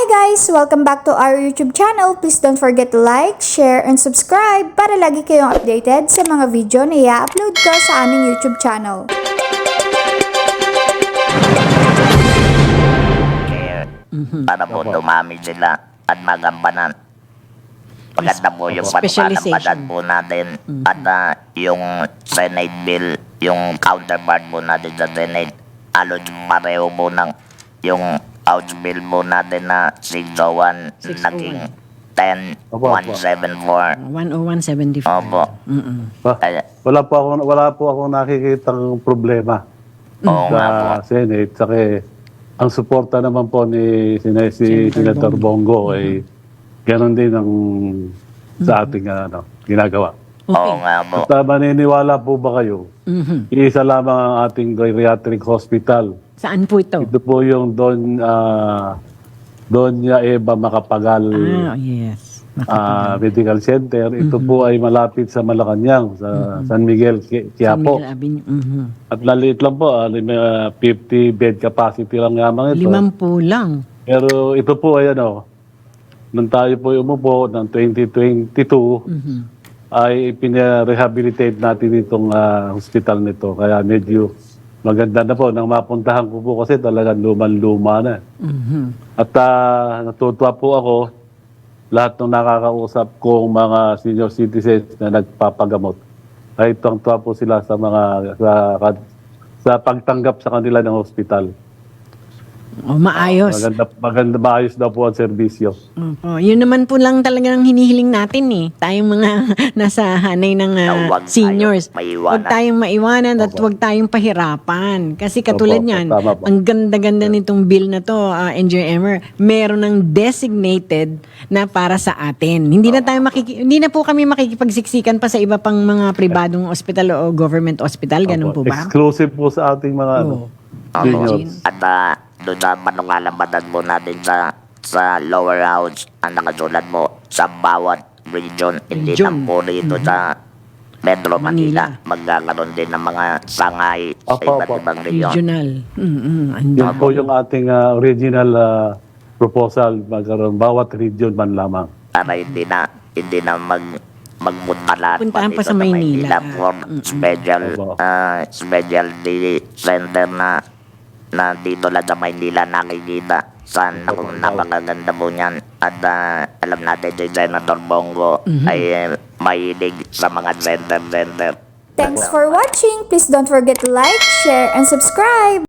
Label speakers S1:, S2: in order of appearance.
S1: guys! Welcome back to our YouTube channel. Please don't forget to like, share, and subscribe para lagi kayong updated sa mga video na i-upload ko sa aming YouTube channel.
S2: Para po dumami sila at magampanan. Maganda po yung panampanan po natin at yung Senate bill, yung counterpart po natin sa Senate. Halos pareho po ng yung House bill po natin na 601 naging 10174.
S3: 10174.
S2: Opo.
S4: Wala po ako nakikitang problema
S2: Oo nga po.
S4: sa Senate. Saka ang suporta naman po ni Senator Bongo ay ganoon din ang sa ating ginagawa.
S2: Oo nga po.
S4: At maniniwala po ba kayo? Iisa lamang ang ating geriatric hospital.
S3: Saan po ito?
S4: Ito po yung Doña Eva Macapagal
S3: Yes.
S4: Medical Center. Ito po ay malapit sa Malacanang, sa San Miguel, Quiapo.
S3: San Miguel Avenue.
S4: At laliit lang po, 50 bed capacity lang yamang ito.
S3: 50 lang.
S4: Pero ito po ay nung tayo po umupo ng 2022, ay pinarehabilitate natin itong hospital nito. Kaya medyo maganda na po. Nang mapuntahan ko po kasi talagang luman-luma na. At natutuwa po ako, lahat ng nakakausap kong mga senior citizens na nagpapagamot. Ay tuwa po sila sa sa pagtanggap sa kanila ng hospital.
S3: Maayos.
S4: Maganda, maayos daw po ang serbisyo.
S3: Opo. Yun naman po lang talagang hinihiling natin Tayong mga nasa hanay ng seniors. Huwag tayong maiwanan at huwag tayong pahirapan. Kasi katulad niyan, ang ganda-ganda nitong bill na to, Engineer Emmer, meron ng designated na para sa atin. Hindi na po kami makikipagsiksikan pa sa iba pang mga pribadong hospital o government hospital. Ganun po ba?
S4: Exclusive po sa ating mga seniors.
S2: At doon na panungalambatan po natin sa lower house ang nakasulat mo sa bawat region. Hindi lang po rito sa Metro Manila. Magkakaroon din ng mga sangay sa iba't ibang region.
S3: Regional.
S4: Yan po yung ating original proposal. Magkaroon bawat region man lamang.
S2: Para hindi na magpunta
S3: Puntahan pa sa Maynila.
S2: For specialty center na dito lang sa Maynila nakikita. Saan napakaganda po niyan. At alam natin si Senator Bongo ay mahilig sa mga center.
S1: Thanks for watching. Please don't forget to like, share, and subscribe.